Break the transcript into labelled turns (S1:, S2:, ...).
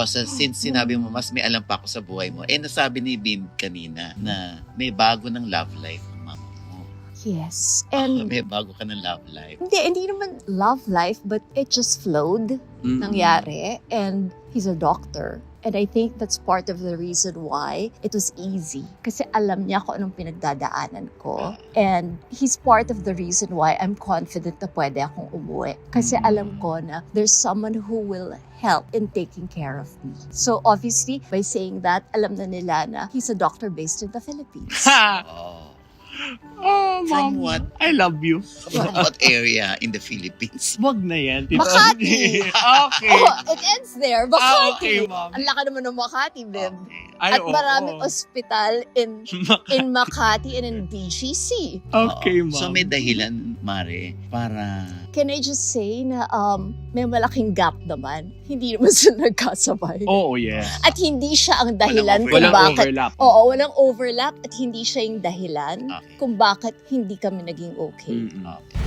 S1: since sinabi mo mas may alam pa ako sa buhay mo, nasabi ni Bim kanina na may bago ng love life ang mama mo.
S2: Yes. And
S1: May bago ka ng love life.
S2: hindi naman love life, but it just flowed. Nangyari. And he's a doctor. And I think that's part of the reason why it was easy. Kasi alam niya kung anong pinagdadaanan ko. And he's part of the reason why I'm confident na pwede akong umuwi. Kasi alam ko na there's someone who will help in taking care of me. So obviously, by saying that, alam na nila na he's a doctor based in the Philippines.
S3: Ha!
S1: Oh.
S3: Oh,
S1: From
S3: Mom.
S1: what?
S3: I love you.
S1: From what area in the Philippines?
S3: Wag na yan. Tita.
S2: Makati.
S3: Okay.
S2: Oh, it ends there. Makati.
S3: Okay, Mom.
S2: Ang laki naman ng Makati, babe.
S3: Ay,
S2: At
S3: oo.
S2: maraming ospital in Makati and in BGC.
S3: Okay,
S1: Oo.
S3: Mom.
S1: So may dahilan, Mare, para...
S2: Can I just say na may malaking gap naman. Hindi naman sila nagkasabay.
S3: Oo, yes.
S2: At hindi siya ang dahilan kung
S1: Walang
S3: Walang
S2: bakit.
S3: overlap.
S2: Oo, walang overlap at hindi siya yung dahilan
S1: Okay.
S2: kung bakit hindi kami naging okay.
S3: Mm-mm.
S1: Okay.